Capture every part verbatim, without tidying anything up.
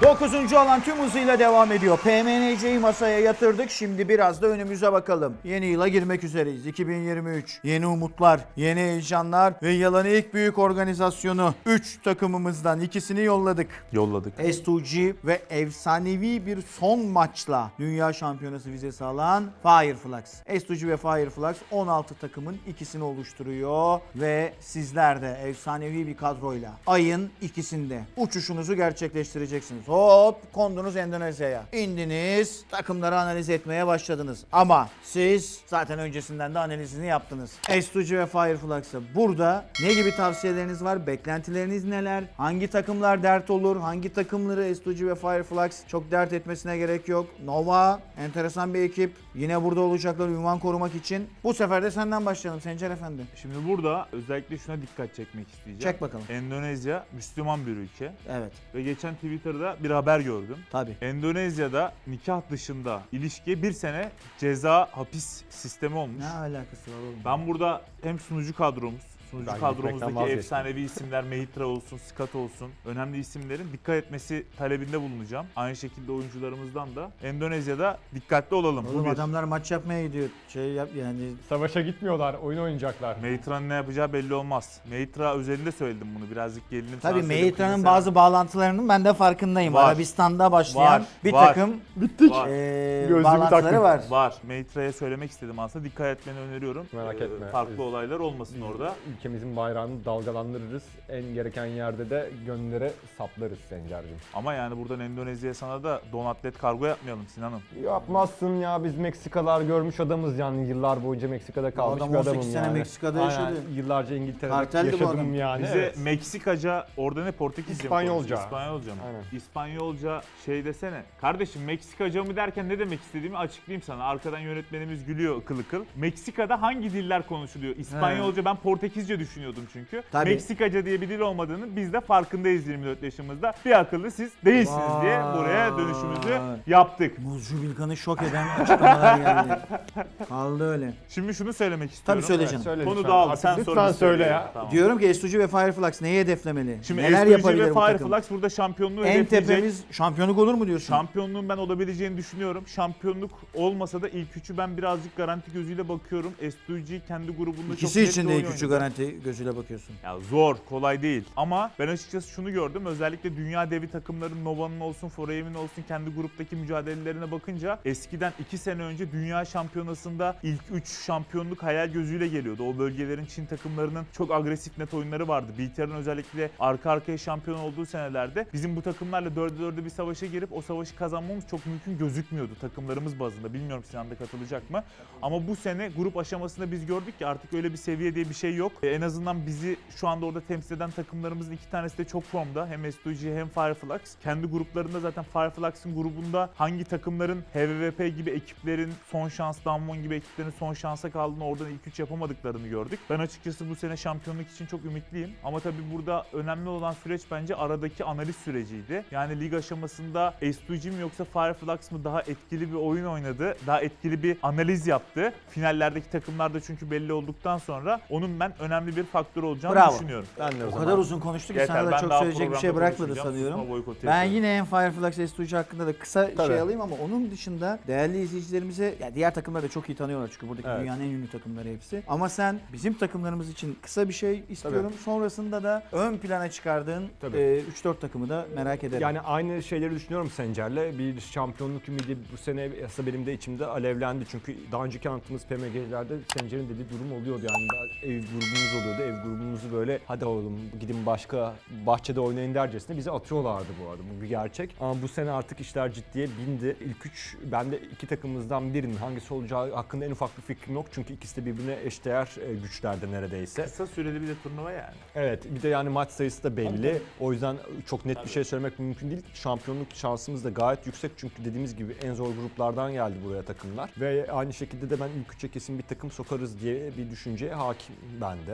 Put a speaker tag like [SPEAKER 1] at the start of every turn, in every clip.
[SPEAKER 1] dokuzuncu alan tüm hızıyla devam ediyor. P M N C'yi masaya yatırdık. Şimdi biraz da önümüze bakalım. Yeni yıla girmek üzereyiz. iki bin yirmi üç. Yeni umutlar, yeni heyecanlar ve yılın ilk büyük organizasyonu. üç takımımızdan ikisini yolladık.
[SPEAKER 2] Yolladık.
[SPEAKER 1] S iki G ve efsanevi bir son maçla Dünya Şampiyonası vizesi alan Fireflux. S iki G ve Fireflux on altı takımın ikisini oluşturuyor ve sizler de efsanevi bir kadroyla ayın ikisinde uçuşunuzu gerçekleştireceksiniz. Hop kondunuz Endonezya'ya. İndiniz, takımları analiz etmeye başladınız. Ama siz zaten öncesinden de analizini yaptınız. S iki G ve Fireflux'a burada ne gibi tavsiyeleriniz var? Beklentileriniz neler? Hangi takımlar dert olur? Hangi takımları S iki G ve Fireflux çok dert etmesine gerek yok? Nova enteresan bir ekip. Yine burada olacaklar ünvan korumak için. Bu sefer de senden başlayalım Sencer Efendi.
[SPEAKER 2] Şimdi burada özellikle şuna dikkat çekmek isteyeceğim.
[SPEAKER 1] Çek bakalım.
[SPEAKER 2] Endonezya Müslüman bir ülke.
[SPEAKER 1] Evet.
[SPEAKER 2] Ve geçen Twitter'da bir haber gördüm.
[SPEAKER 1] Tabii.
[SPEAKER 2] Endonezya'da nikah dışında ilişkiye bir sene ceza hapis sistemi olmuş.
[SPEAKER 1] Ne alakası var oğlum?
[SPEAKER 2] Ben burada hem sunucu kadromuz, sunucu
[SPEAKER 3] Ben gitmekten
[SPEAKER 2] kadromuzdaki
[SPEAKER 3] vazgeçtim.
[SPEAKER 2] efsanevi isimler Mehitra olsun, Skat olsun, önemli isimlerin dikkat etmesi talebinde bulunacağım. Aynı şekilde oyuncularımızdan da Endonezya'da dikkatli olalım.
[SPEAKER 1] Oğlum
[SPEAKER 2] Bu bir.
[SPEAKER 1] adamlar maç yapmaya gidiyor. Şey yap yani.
[SPEAKER 3] Savaşa gitmiyorlar, oyun oynayacaklar.
[SPEAKER 2] Mehitra'nın ne yapacağı belli olmaz. Mehitra özelinde söyledim bunu. Birazcık gerilim.
[SPEAKER 1] Tabii
[SPEAKER 2] sana söyledim,
[SPEAKER 1] Mehitra'nın
[SPEAKER 2] kızım
[SPEAKER 1] bazı bağlantılarının ben de farkındayım.
[SPEAKER 2] Var.
[SPEAKER 1] Arabistan'da başlayan
[SPEAKER 2] Var,
[SPEAKER 1] bir
[SPEAKER 2] var.
[SPEAKER 1] takım
[SPEAKER 3] Bittik.
[SPEAKER 2] Var.
[SPEAKER 1] eee,
[SPEAKER 3] Gözlüğümü
[SPEAKER 1] bağlantıları
[SPEAKER 3] taktım.
[SPEAKER 1] var.
[SPEAKER 2] sen. Var. Mehitra'ya söylemek istedim aslında. Dikkat etmeni öneriyorum.
[SPEAKER 3] Merak
[SPEAKER 2] Ee,
[SPEAKER 3] etme.
[SPEAKER 2] Farklı
[SPEAKER 3] Biz-
[SPEAKER 2] olaylar olmasın orada.
[SPEAKER 3] Ülkemizin bayrağını dalgalandırırız. En gereken yerde de gönüllere saplarız Sencer'cim.
[SPEAKER 2] Ama yani buradan Endonezya'ya sana da don atlet kargo yapmayalım Sinan'ım.
[SPEAKER 3] Yapmazsın ya, biz Meksikalar görmüş adamız yani, yıllar boyunca Meksika'da kalmış
[SPEAKER 1] adam
[SPEAKER 3] bir
[SPEAKER 1] on sekiz
[SPEAKER 3] adamım
[SPEAKER 1] sene
[SPEAKER 3] yani.
[SPEAKER 1] Meksika'da
[SPEAKER 3] Aynen,
[SPEAKER 1] yaşadı.
[SPEAKER 3] yıllarca İngiltere'de
[SPEAKER 1] Karteldi bu
[SPEAKER 3] yaşadım
[SPEAKER 1] adam.
[SPEAKER 3] yani.
[SPEAKER 2] Bize
[SPEAKER 3] Evet.
[SPEAKER 2] Meksikaca, orada ne Portekizce mi
[SPEAKER 3] İspanyolca.
[SPEAKER 2] konuşuyor? İspanyolca mı?
[SPEAKER 3] Aynen.
[SPEAKER 2] İspanyolca şey desene. Kardeşim Meksikaca mı derken ne demek istediğimi açıklayayım sana. Arkadan yönetmenimiz gülüyor ıkıl ıkıl. Meksika'da hangi diller konuşuluyor? İspanyolca, ben Portekizce düşünüyordum çünkü.
[SPEAKER 1] Tabii.
[SPEAKER 2] Meksikaca diye bir dil olmadığını biz de farkındayız yirmi dört yaşımızda. Bir akıllı siz değilsiniz diye buraya dönüşümüzü
[SPEAKER 1] Vay.
[SPEAKER 2] yaptık.
[SPEAKER 1] Muzcu Bilkan'ı şok eden açıklamalar geldi. Kaldı öyle.
[SPEAKER 2] Şimdi şunu söylemek istiyorum.
[SPEAKER 1] Tabii söyle canım.
[SPEAKER 3] Söyle
[SPEAKER 2] Konu
[SPEAKER 3] lütfen.
[SPEAKER 2] dağıldı.
[SPEAKER 3] Artık
[SPEAKER 2] Sen
[SPEAKER 3] lütfen
[SPEAKER 2] sorunu
[SPEAKER 3] söyle
[SPEAKER 2] söyle.
[SPEAKER 3] ya.
[SPEAKER 2] Tamam.
[SPEAKER 1] Diyorum ki S iki G ve Fireflux neyi hedeflemeli?
[SPEAKER 2] Şimdi
[SPEAKER 1] Neler
[SPEAKER 2] S iki G
[SPEAKER 1] yapabilir
[SPEAKER 2] ve
[SPEAKER 1] bu takım?
[SPEAKER 2] Fireflux burada şampiyonluğu
[SPEAKER 1] En
[SPEAKER 2] hedefleyecek.
[SPEAKER 1] tepemiz şampiyonluk olur mu diyorsun?
[SPEAKER 2] Şampiyonluğun ben olabileceğini düşünüyorum. Şampiyonluk olmasa da ilk üçü ben birazcık garanti gözüyle bakıyorum. S iki G kendi grubunda
[SPEAKER 1] İkisi
[SPEAKER 2] çok net
[SPEAKER 1] için
[SPEAKER 2] bir
[SPEAKER 1] de
[SPEAKER 2] oyun
[SPEAKER 1] ilk üçü
[SPEAKER 2] oynadı.
[SPEAKER 1] garanti gözüyle bakıyorsun.
[SPEAKER 2] Ya zor, kolay değil. Ama ben açıkçası şunu gördüm. Özellikle dünya devi takımların Nova'nın olsun, Forever'in olsun kendi gruptaki mücadelelerine bakınca eskiden iki sene önce dünya şampiyonasında ilk üç şampiyonluk hayal gözüyle geliyordu. O bölgelerin Çin takımlarının çok agresif net oyunları vardı. B T R'ın özellikle arka arkaya şampiyon olduğu senelerde bizim bu takımlarla dörde dörde bir savaşa girip o savaşı kazanmamız çok mümkün gözükmüyordu takımlarımız bazında. Bilmiyorum Sinan da katılacak mı? Ama bu sene grup aşamasında biz gördük ki artık öyle bir seviye diye bir şey yok. Ee, en azından bizi şu anda orada temsil eden takımlarımızın iki tanesi de çok formda. Hem S iki G hem Fireflux. Kendi gruplarında zaten Fireflux'ın grubunda hangi takımların H V V P gibi ekiplerin son şans, Damwon gibi ekiplerin son şansa kaldığını, oradan ilk üç yapamadıklarını gördük. Ben açıkçası bu sene şampiyonluk için çok ümitliyim. Ama tabii burada önemli olan süreç bence aradaki analiz süreciydi. Yani lig aşamasında S iki G mi yoksa Fireflux mı daha etkili bir oyun oynadı, daha etkili bir analiz yaptı. Finallerdeki takımlar da çünkü belli olduktan sonra onun ben önemli bir faktör olacağını
[SPEAKER 1] Bravo.
[SPEAKER 2] düşünüyorum.
[SPEAKER 3] Ben de o
[SPEAKER 1] O
[SPEAKER 3] zaman.
[SPEAKER 1] kadar uzun konuştu ki
[SPEAKER 2] Yeter,
[SPEAKER 1] sana da
[SPEAKER 2] ben
[SPEAKER 1] çok
[SPEAKER 2] daha
[SPEAKER 1] söyleyecek bir şey
[SPEAKER 2] programda
[SPEAKER 1] bırakmadı
[SPEAKER 2] konuşacağım.
[SPEAKER 1] sanıyorum.
[SPEAKER 2] Susma boykotu
[SPEAKER 1] Ben
[SPEAKER 2] yapıyorum.
[SPEAKER 1] yine hem Fireflux S iki G hakkında da kısa
[SPEAKER 3] Tabii.
[SPEAKER 1] şey alayım ama onun dışında değerli izleyicilerimize, ya diğer takımları da çok iyi tanıyorlar çünkü buradaki
[SPEAKER 3] Evet.
[SPEAKER 1] dünyanın en ünlü takımları hepsi. Ama sen bizim takımlarımız için kısa bir şey istiyorum. Sonrasında da ön plana çıkardığın
[SPEAKER 3] Tabii.
[SPEAKER 1] e, üç dört takımı da merak ederim.
[SPEAKER 3] Yani aynı şeyleri düşünüyorum Sencer'le. Bir şampiyonluk ümidi bu sene aslında benim de içimde alevlendi. Çünkü daha önceki anlattığımız P M G'lerde Sencer'in dediği durum oluyordu. Yani ev grubumuz oluyordu. Ev grubumuzu böyle hadi oğlum gidin başka bahçede oynayın dercesine bizi atıyorlardı bu arada. Bu bir gerçek. Ama bu sene artık işler ciddiye bindi. İlk üç, ben de iki takımımızdan birinin hangisi olacağı hakkında en ufak bir fikrim yok. Çünkü ikisi de birbirine eşdeğer e, güçlerde neredeyse.
[SPEAKER 2] Kısa süreli bir de turnuva yani.
[SPEAKER 3] Evet, bir de yani maç sayısı da belli. O yüzden çok net bir şey söylemek mümkün değil. Şampiyonluk şansımız da gayet yüksek çünkü dediğimiz gibi en zor gruplardan geldi buraya takımlar. Ve aynı şekilde de ben ilk üçe kesin bir takım sokarız diye bir düşünceye hakim ben de.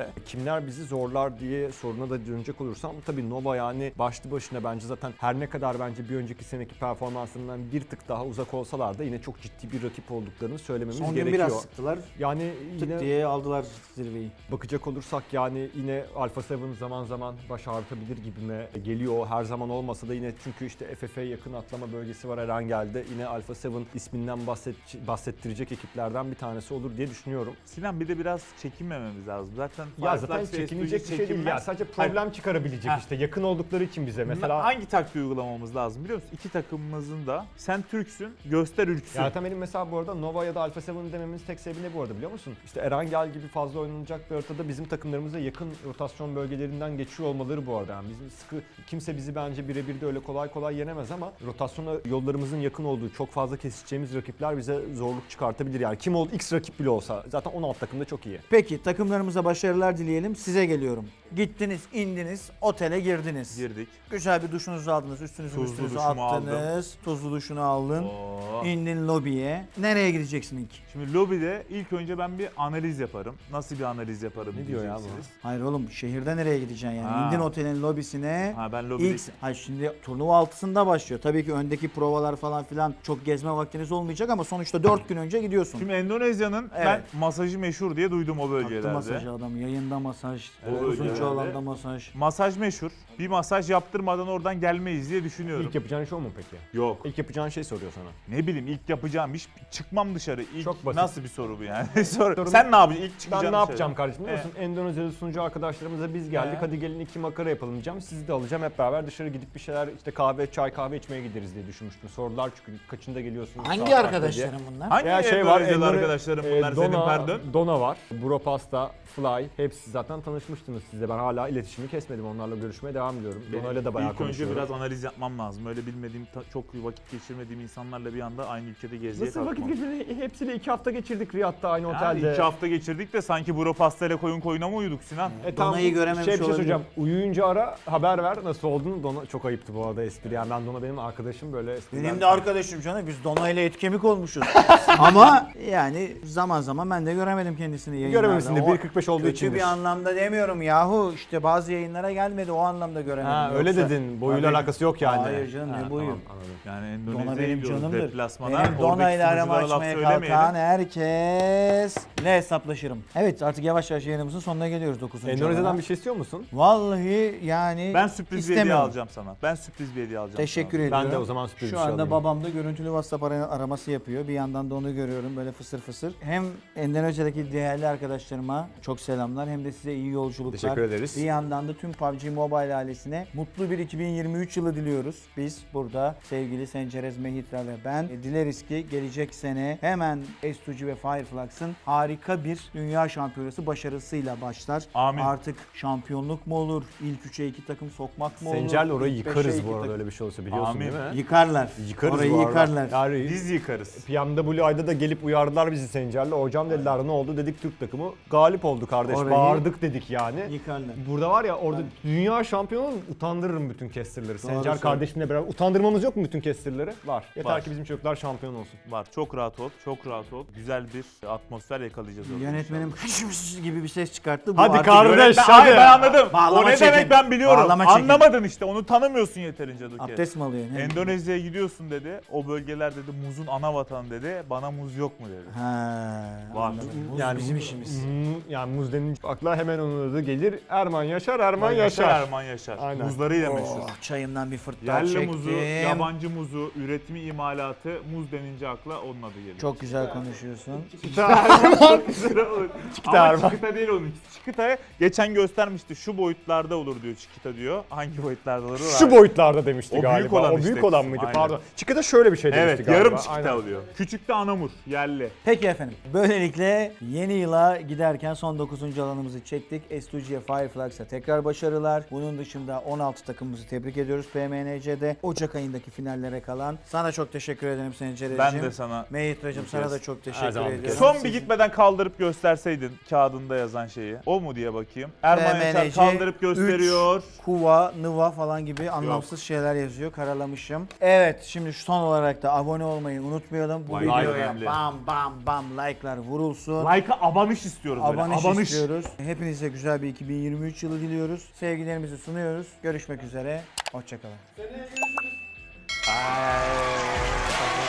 [SPEAKER 3] de. Kimler bizi zorlar diye soruna da dönecek olursam tabii Nova yani başlı başına bence zaten her ne kadar bence bir önceki seneki performansından bir tık daha uzak olsalar da yine çok ciddi bir rakip olduklarını söylememiz
[SPEAKER 1] Son gün
[SPEAKER 3] gerekiyor.
[SPEAKER 1] biraz sıktılar.
[SPEAKER 3] Yani
[SPEAKER 1] Tık
[SPEAKER 3] yine
[SPEAKER 1] diye aldılar zirveyi.
[SPEAKER 3] bakacak olursak yani yine Alpha Seven zaman zaman baş ağrıtabilir gibime geliyor. Her zaman olmasa da yine çünkü işte F F A yakın atlama bölgesi var Erengel'de. Yine Alpha Seven isminden bahset, bahsettirecek ekiplerden bir tanesi olur diye düşünüyorum.
[SPEAKER 2] Sinan bir de biraz çekinmememiz lazım. Zaten
[SPEAKER 3] Ya zaten
[SPEAKER 2] Fireflies ve
[SPEAKER 3] çekinecek bir şey değil
[SPEAKER 2] çekinmez.
[SPEAKER 3] ya. Sadece problem
[SPEAKER 2] Hayır.
[SPEAKER 3] çıkarabilecek
[SPEAKER 2] Heh.
[SPEAKER 3] işte yakın oldukları için bize. Mesela
[SPEAKER 2] Hangi taktiği uygulamamız lazım biliyor musun? İki takımımızın da sen Türksün, göster ürksün.
[SPEAKER 3] ya zaten benim mesela bu arada Nova ya da Alpha Seven dememin tek sebebi ne bu arada biliyor musun? İşte Erangel gibi fazla oynanacak bir haritada bizim takımlarımıza yakın rotasyon bölgelerinden geçiyor olmaları bu arada. Yani bizim sıkı kimse bizi bence birebir de öyle kolay kolay yenemez ama rotasyona yollarımızın yakın olduğu çok fazla kesişeceğimiz rakipler bize zorluk çıkartabilir. Yani kim oldu X rakip bile olsa zaten on altı takım da çok iyi.
[SPEAKER 1] Peki takımlarımıza başarılar dileyelim. Size geliyorum. Gittiniz, indiniz, otele girdiniz.
[SPEAKER 2] Girdik.
[SPEAKER 1] Güzel bir duşunuzu aldınız, üstünüzü
[SPEAKER 2] Tuzlu
[SPEAKER 1] üstünüzü
[SPEAKER 2] duşumu
[SPEAKER 1] attınız. Tuzlu duşunu aldın.
[SPEAKER 2] Oo.
[SPEAKER 1] İndin lobiye. Nereye gideceksin ilk?
[SPEAKER 2] Şimdi lobide ilk önce ben bir analiz yaparım. Nasıl bir analiz yaparım
[SPEAKER 3] Ne diyor ya bu?
[SPEAKER 2] diyeceksiniz.
[SPEAKER 1] Hayır oğlum şehirde nereye gideceksin yani?
[SPEAKER 2] Ha.
[SPEAKER 1] İndin otelin lobisine.
[SPEAKER 2] Ha ben lobide...
[SPEAKER 1] İlk, hayır şimdi turnuva altısında başlıyor. Tabii ki öndeki provalar falan filan çok gezme vaktiniz olmayacak ama sonuçta dört gün önce gidiyorsun.
[SPEAKER 2] Şimdi Endonezya'nın
[SPEAKER 1] Evet.
[SPEAKER 2] ben masajı meşhur diye duydum o bölgelerde.
[SPEAKER 1] Taktı masajı adam. Yayında masaj,
[SPEAKER 2] Evet,
[SPEAKER 1] uzunca
[SPEAKER 2] öyle.
[SPEAKER 1] alanda masaj.
[SPEAKER 2] Masaj meşhur. Bir masaj yaptırmadan oradan gelmeyiz diye düşünüyorum.
[SPEAKER 3] İlk yapacağın şey o mu peki?
[SPEAKER 2] Yok.
[SPEAKER 3] İlk yapacağın şey soruyor sana.
[SPEAKER 2] Ne bileyim ilk yapacağım iş çıkmam dışarı. İlk
[SPEAKER 3] Çok basit.
[SPEAKER 2] nasıl bir soru bu yani? Soru.
[SPEAKER 3] Sorun-
[SPEAKER 2] Sen ne yapacaksın? İlk
[SPEAKER 3] Ben
[SPEAKER 2] çıkacaksın
[SPEAKER 3] ne
[SPEAKER 2] dışarı.
[SPEAKER 3] yapacağım kardeşim biliyor musun? Endonezyalı sunucu arkadaşlarımıza biz geldik.
[SPEAKER 2] He.
[SPEAKER 3] Hadi gelin iki makara yapalım diyeceğim. Sizi de alacağım hep beraber dışarı gidip bir şeyler işte kahve, çay, kahve içmeye gideriz diye düşünmüştüm. Sordular çünkü kaçında geliyorsunuz?
[SPEAKER 1] Hangi
[SPEAKER 3] saat kaçta
[SPEAKER 1] arkadaşlarım bunlar?
[SPEAKER 2] Hangi
[SPEAKER 3] Ya şey var,
[SPEAKER 2] Endonezyalı
[SPEAKER 3] Endone-
[SPEAKER 2] arkadaşlarım
[SPEAKER 3] e,
[SPEAKER 2] bunlar senin
[SPEAKER 3] Dona,
[SPEAKER 2] pardon?
[SPEAKER 3] Dona var, Buropasta, Fly. Hepsi zaten tanışmıştınız sizle. Ben hala iletişimi kesmedim. Onlarla görüşmeye devam ediyorum. Dona'yla da bayağı
[SPEAKER 2] İlk önce
[SPEAKER 3] konuşuyorum.
[SPEAKER 2] biraz analiz yapmam lazım. Öyle bilmediğim, ta- çok vakit geçirmediğim insanlarla bir anda aynı ülkede geziye
[SPEAKER 3] Nasıl vakit
[SPEAKER 2] kalkmam.
[SPEAKER 3] geçirdik? Hepsiyle iki hafta geçirdik Riyad'da aynı
[SPEAKER 2] Yani
[SPEAKER 3] otelde.
[SPEAKER 2] iki hafta geçirdik de sanki buro pastayla koyun koyuna mı uyuduk Sinan?
[SPEAKER 3] E tamam,
[SPEAKER 1] Dona'yı görememiş
[SPEAKER 3] şey, bir şey
[SPEAKER 1] olabilir.
[SPEAKER 3] söyleyeceğim. Uyuyunca ara haber ver nasıl olduğunu. Dona çok ayıptı bu arada espri. Yani ben Dona benim arkadaşım böyle espriden.
[SPEAKER 1] Benim de arkadaşım canım. Biz Dona ile et kemik olmuşuz. Ama yani zaman zaman ben de göremedim kendisini yayınlarda.
[SPEAKER 3] Görememişsin de
[SPEAKER 1] O
[SPEAKER 3] bir kırk beş olduğu
[SPEAKER 1] kötü
[SPEAKER 3] içindir.
[SPEAKER 1] bir anlamda demiyorum yahu. İşte bazı yayınlara gelmedi o anlamda göremedim.
[SPEAKER 3] Ha, öyle
[SPEAKER 1] Yoksa-
[SPEAKER 3] dedin. Boyuyla
[SPEAKER 1] Tabii.
[SPEAKER 3] alakası yok yani.
[SPEAKER 1] Hayır canım, ne
[SPEAKER 3] Ha,
[SPEAKER 1] boyu?
[SPEAKER 3] tamam, anladım.
[SPEAKER 2] Yani
[SPEAKER 1] Dona
[SPEAKER 2] Endonezya'ya
[SPEAKER 1] benim
[SPEAKER 2] gidiyoruz
[SPEAKER 1] canımdır.
[SPEAKER 2] deplasmana.
[SPEAKER 1] Benim Dona
[SPEAKER 2] Oradaki
[SPEAKER 1] ile arama
[SPEAKER 2] sunuculara laf
[SPEAKER 1] açmaya
[SPEAKER 2] söylemeyelim.
[SPEAKER 1] kalkan herkesle hesaplaşırım. Evet artık yavaş yavaş yayınımızın sonuna geliyoruz dokuzuncu
[SPEAKER 3] Endonezyadan
[SPEAKER 1] alana.
[SPEAKER 3] bir şey istiyor musun?
[SPEAKER 1] Vallahi yani
[SPEAKER 2] Ben sürpriz bir hediye
[SPEAKER 1] istemiyorum.
[SPEAKER 2] alacağım sana. Ben sürpriz bir hediye alacağım
[SPEAKER 1] Teşekkür
[SPEAKER 2] sana.
[SPEAKER 1] ediyorum.
[SPEAKER 3] Ben de o zaman sürpriz
[SPEAKER 1] Şu
[SPEAKER 3] bir şey
[SPEAKER 1] anda
[SPEAKER 3] alayım.
[SPEAKER 1] babam da görüntülü WhatsApp ara- araması yapıyor. Bir yandan da onu görüyorum böyle fısır fısır. Hem Endonezya'daki değerli arkadaşlarıma çok selamlar hem de size iyi yolculuklar.
[SPEAKER 3] Teşekkür ederiz.
[SPEAKER 1] Bir yandan da tüm P U B G Mobile ailesine mutlu bir iki bin yirmi üç yılı diliyoruz. Biz burada sevgili Sencerez Mehitra ve ben e, dileriz ki gelecek sene hemen S iki G ve Fireflux'ın harika bir dünya şampiyonası başarısıyla başlar.
[SPEAKER 2] Amin.
[SPEAKER 1] Artık şampiyonluk mu olur? İlk üçe iki takım sokmak mı olur?
[SPEAKER 3] Sencer'le orayı
[SPEAKER 1] İlk beşe
[SPEAKER 3] yıkarız
[SPEAKER 1] iki
[SPEAKER 3] bu arada
[SPEAKER 1] takım-
[SPEAKER 3] öyle bir şey olsa biliyorsun
[SPEAKER 2] Amin.
[SPEAKER 3] değil mi?
[SPEAKER 1] Yıkarlar.
[SPEAKER 3] Yıkarız
[SPEAKER 1] Orayı
[SPEAKER 3] bu arada.
[SPEAKER 1] yıkarlar.
[SPEAKER 3] Yani
[SPEAKER 2] Biz yıkarız.
[SPEAKER 3] P M W I'da da gelip uyardılar bizi Sencer'le. Hocam dediler ne oldu dedik Türk takımı. Galip oldu kardeş.
[SPEAKER 1] Orayı-
[SPEAKER 3] Bağırdık dedik yani.
[SPEAKER 1] Yıkarlar.
[SPEAKER 3] Burada var ya orada dünya şampiyonu utandırırım bütün casterları. Sencer
[SPEAKER 1] söylüyorsun.
[SPEAKER 3] kardeşimle beraber. Utandırmamız yok mu bütün casterları? Var. Yeter
[SPEAKER 2] Var.
[SPEAKER 3] ki bizim çocuklar şampiyon olsun.
[SPEAKER 2] Var. Çok rahat ol. Çok rahat ol. Güzel bir atmosfer yakalayacağız orada.
[SPEAKER 1] Yönetmenim gibi bir ses çıkarttı. Bu
[SPEAKER 3] Hadi
[SPEAKER 1] artık
[SPEAKER 3] kardeş,
[SPEAKER 1] yönetmen-
[SPEAKER 3] hadi.
[SPEAKER 2] Hayır ben anladım.
[SPEAKER 1] Bağlama
[SPEAKER 2] o ne
[SPEAKER 1] çekin.
[SPEAKER 2] demek ben biliyorum.
[SPEAKER 1] Bağlama çekin.
[SPEAKER 2] Anlamadın işte. Onu tanımıyorsun yeterince Duke.
[SPEAKER 1] Abdest mi alıyorsun?
[SPEAKER 2] Endonezya'ya gidiyorsun dedi. O bölgeler dedi muzun ana vatanı dedi. Bana muz yok mu dedi.
[SPEAKER 1] Ha.
[SPEAKER 2] Var.
[SPEAKER 1] anladım. Muz bizim işimiz.
[SPEAKER 3] Hmm, yani muz denince akla hemen onun adı gelir. Erman Yaşar, Erman
[SPEAKER 2] Yaşar,
[SPEAKER 3] Yaşar.
[SPEAKER 2] Erman Yaşar.
[SPEAKER 3] Aynen.
[SPEAKER 2] Muzlarıyla meşhur.
[SPEAKER 1] Oh, çayımdan bir fırt daha
[SPEAKER 2] Yerli
[SPEAKER 1] çektim.
[SPEAKER 2] muzu, yabancı muzu, üretimi, imalatı, muz denince akla onun adı geliyor.
[SPEAKER 1] Çok güzel konuşuyorsun.
[SPEAKER 2] Ama
[SPEAKER 3] Erman.
[SPEAKER 2] Çikita değil onun. Çikita'ya geçen göstermişti. Şu boyutlarda olur diyor Çikita diyor. Hangi boyutlarda olur?
[SPEAKER 3] Şu boyutlarda demişti
[SPEAKER 2] O
[SPEAKER 3] galiba.
[SPEAKER 2] büyük olan
[SPEAKER 3] o
[SPEAKER 2] işte.
[SPEAKER 3] büyük olan mıydı?
[SPEAKER 2] Aynen.
[SPEAKER 3] Pardon. Çıkıda şöyle bir şey demişti
[SPEAKER 2] Evet,
[SPEAKER 3] galiba.
[SPEAKER 2] yarım Çikita
[SPEAKER 3] Aynen.
[SPEAKER 2] oluyor. Küçük de anamur, yerli.
[SPEAKER 1] Peki efendim. Böylelikle yeni yıla giderken son dokuzuncu alanımızı çektik. S iki G'ye Fireflux'a tekrar başarılar. Bunun dışında on altı takımımızı tebrik ediyoruz P M N C'de. Ocak ayındaki finallere kalan. Sana çok teşekkür ederim Sencereciğim.
[SPEAKER 2] Ben de sana.
[SPEAKER 1] Mehitra'cığım sana da çok
[SPEAKER 3] Her
[SPEAKER 1] teşekkür
[SPEAKER 3] zaman bir
[SPEAKER 1] ediyorum.
[SPEAKER 2] Son bir
[SPEAKER 1] Sizin-
[SPEAKER 2] gitmeden kaldırıp gösterseydin kağıdında yazan şeyi. O O mu diye bakayım. Erman
[SPEAKER 1] V M N
[SPEAKER 2] Yaşar
[SPEAKER 1] C
[SPEAKER 2] kaldırıp gösteriyor.
[SPEAKER 1] üç, Kuva, Nıva falan gibi anlamsız şeyler yazıyor. Karalamışım. Evet, şimdi son olarak da abone olmayı unutmayalım. Bu
[SPEAKER 3] Like
[SPEAKER 1] videoya
[SPEAKER 2] önemli.
[SPEAKER 1] bam bam bam like'lar vurulsun.
[SPEAKER 2] Like'a abanış istiyoruz böyle.
[SPEAKER 1] Abanış,
[SPEAKER 2] Abanış.
[SPEAKER 1] istiyoruz. Hepinize güzel bir iki bin yirmi üç yılı diliyoruz. Sevgilerimizi sunuyoruz. Görüşmek üzere. Hoşçakalın.
[SPEAKER 4] Seneye görüşürüz.
[SPEAKER 2] Ay.